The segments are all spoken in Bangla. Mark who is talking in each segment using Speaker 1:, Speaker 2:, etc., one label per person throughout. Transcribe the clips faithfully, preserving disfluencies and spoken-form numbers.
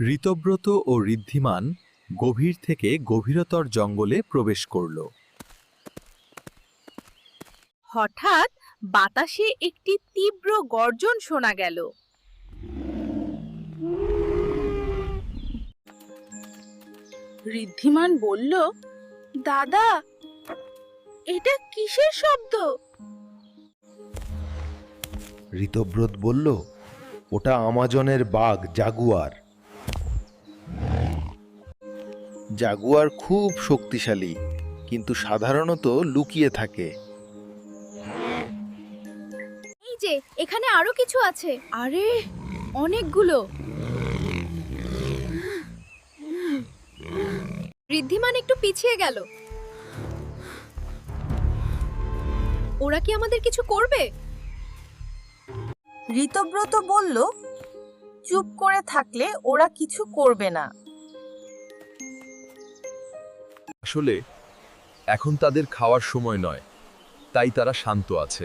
Speaker 1: ঋতব্রত ও ঋদ্ধিমান গভীর থেকে গভীরতর জঙ্গলে প্রবেশ করল।
Speaker 2: হঠাৎ বাতাসে একটি তীব্র গর্জন শোনা গেল। ঋদ্ধিমান বলল, দাদা, এটা কিসের শব্দ?
Speaker 3: ঋতব্রত বলল, ওটা আমাজনের বাঘ জাগুয়ার। জাগুয়ার খুব শক্তিশালী, কিন্তু সাধারণত লুকিয়ে থাকে।
Speaker 2: এই যে, এখানে আরো কিছু আছে। আরে, অনেকগুলো। ঋদ্ধিমান একটু পিছিয়ে গেল। ওরা কি আমাদের কিছু করবে?
Speaker 4: ঋতব্রত বলল, চুপ করে থাকলে ওরা কিছু করবে না।
Speaker 5: আসলে এখন তাদের খাওয়ার সময় নয়, তাই তারা শান্ত আছে।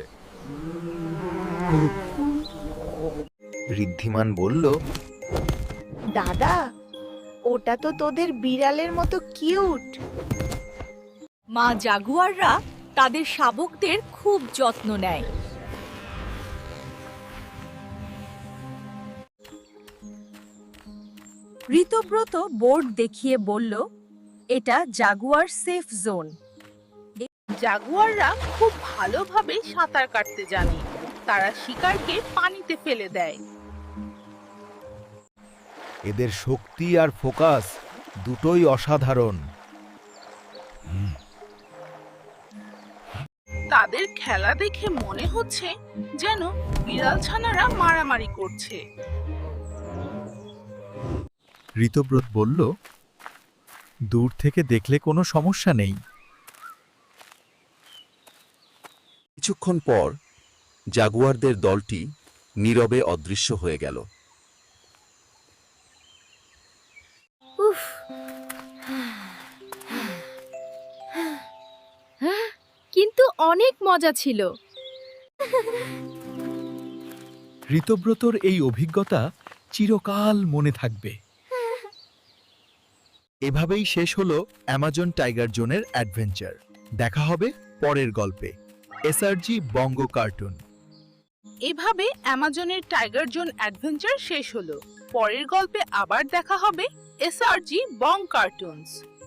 Speaker 3: ঋদ্ধিমান বলল,
Speaker 4: দাদা, ওটা তো তোদের বিড়ালের মতো কিউট।
Speaker 2: মা জাগুয়াররা তাদের শাবকদের খুব যত্ন নেয়।
Speaker 4: ঋতব্রত বোর্ড দেখিয়ে বলল, এটা জাগুয়ার সেফ জোন।
Speaker 2: জাগুয়াররা খুব ভালোভাবে সাঁতার কাটতে জানে। তারা শিকারকে পানিতে ফেলে দেয়।
Speaker 3: এদের শক্তি আর ফোকাস দুটোই অসাধারণ।
Speaker 2: তাদের খেলা দেখে মনে হচ্ছে যেন বিড়াল ছানারা মারামারি করছে।
Speaker 1: ঋতব্রত বলল, দূর থেকে দেখলে কোনো সমস্যা নেই।
Speaker 6: কিছুক্ষণ পর জাগুয়ারদের দলটি নীরবে অদৃশ্য হয়ে গেল।
Speaker 2: উফ, কিন্তু অনেক মজা ছিল।
Speaker 1: ঋতব্রতর এই অভিজ্ঞতা চিরকাল মনে থাকবে। এভাবেই শেষ হলো অ্যামাজন টাইগার জোনের অ্যাডভেঞ্চার। দেখা হবে পরের গল্পে। SRG Banga cartoon.
Speaker 2: এভাবে অ্যামাজনের টাইগার জোন অ্যাডভেঞ্চার শেষ হলো। পরের গল্পে আবার দেখা হবে এসআরজি বং কার্টুনস।